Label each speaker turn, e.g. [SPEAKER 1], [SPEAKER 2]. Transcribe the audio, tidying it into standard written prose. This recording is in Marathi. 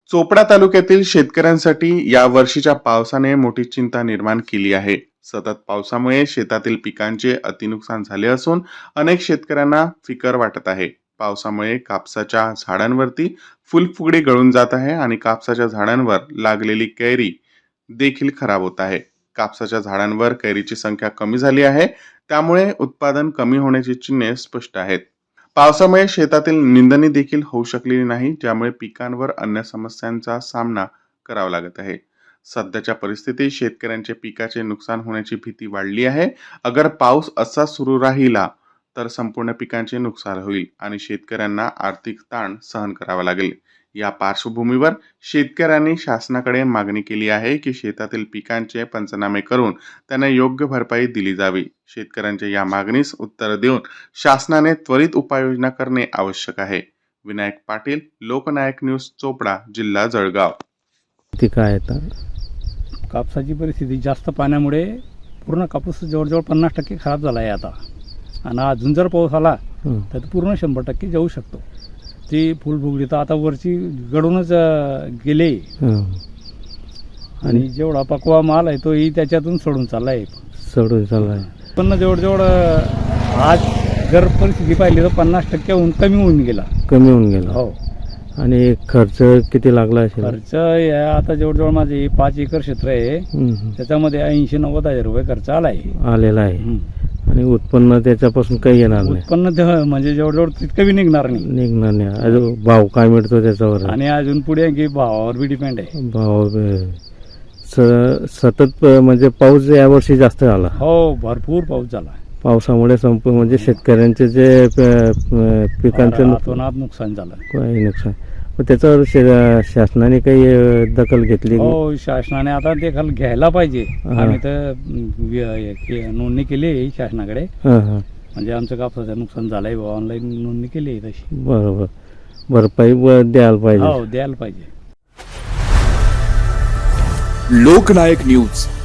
[SPEAKER 1] चोपडा तालुक्यातील शेतकऱ्यांसाठी या वर्षीच्या पावसाने मोठी चिंता निर्माण केली आहे. सतत पावसामुळे शेतातील पिकांचे अतिनुकसान झाले असून अनेक शेतकऱ्यांना फिकर वाटत आहे. पावसामुळे कापसाच्या झाडांवरती फुलफुगडी गळून जात आहे आणि कापसाच्या झाडांवर लागलेली कैरी देखील खराब होत आहे. कापसाच्या झाडांवर कैरीची संख्या कमी झाली आहे, त्यामुळे उत्पादन कमी होण्याची चिन्हे स्पष्ट आहेत. पावसामुळे शेतातील निंदणी देखील होऊ शकलेली नाही, ज्यामुळे पिकांवर अन्य समस्यांचा सामना करावा लागत आहे. सध्याच्या परिस्थितीत शेतकऱ्यांचे पिकाचे नुकसान होण्याची भीती वाढली आहे. अगर पाऊस असा सुरू राहिला तर संपूर्ण पिकांचे नुकसान होईल आणि शेतकऱ्यांना आर्थिक ताण सहन करावा लागेल. या पार्श्वभूमीवर शेतकऱ्यांनी शासनाकडे मागणी केली आहे की शेतातील पिकांचे पंचनामे करून त्यांना योग्य भरपाई दिली जावी. शेतकऱ्यांच्या या मागणीस उत्तर देऊन शासनाने त्वरित उपाययोजना करणे आवश्यक आहे. विनायक पाटील, लोकनायक न्यूज, चोपडा, जिल्हा जळगाव.
[SPEAKER 2] ते काय आता
[SPEAKER 3] कापसाची परिस्थिती जास्त पाण्यामुळे पूर्ण कापूस जवळजवळ 50% खराब झाला आहे आता. आणि अजून जर पाऊस आला तर पूर्ण 100% जाऊ शकतो. ती फुलफुगडी तर आता वरची गळूनच गेले आणि जेवढा पकवा माल आहे तोही त्याच्यातून सोडून चाललाय. पण जवळजवळ आज जर परिस्थिती पाहिली तर 50%हून कमी होऊन गेला. हो.
[SPEAKER 2] आणि खर्च किती लागला असेल?
[SPEAKER 3] खर्च आता जवळजवळ माझे 5 एकर क्षेत्र आहे, त्याच्यामध्ये 80-90 हजार रुपये खर्च आलेला आहे.
[SPEAKER 2] आणि उत्पन्न त्याच्यापासून काही येणार नाही?
[SPEAKER 3] उत्पन्न म्हणजे जवळजवळ तितकं बी निघणार नाही.
[SPEAKER 2] अजून भाव काय मिळतो त्याच्यावर?
[SPEAKER 3] आणि अजून पुढे की भावावर बी डिपेंड आहे.
[SPEAKER 2] भाव सतत म्हणजे पाऊस यावर्षी जास्त झाला.
[SPEAKER 3] हो, भरपूर पाऊस झाला.
[SPEAKER 2] पावसामुळे म्हणजे शेतकऱ्यांचे जे पिकांचं
[SPEAKER 3] नुकसान झालं.
[SPEAKER 2] काही नुकसान, त्याच्यावर शासनाने काही दखल घेतली?
[SPEAKER 3] हो, शासनाने आता दखल घ्यायला पाहिजे. आम्ही तर नोंदणी केली आहे शासनाकडे. म्हणजे आमचं कापसाचं नुकसान झालंय, ऑनलाईन नोंदणी केली आहे तशी.
[SPEAKER 2] बरोबर, भरपाई द्यायला पाहिजे.
[SPEAKER 3] हो, द्यायला पाहिजे.
[SPEAKER 4] लोकनायक न्यूज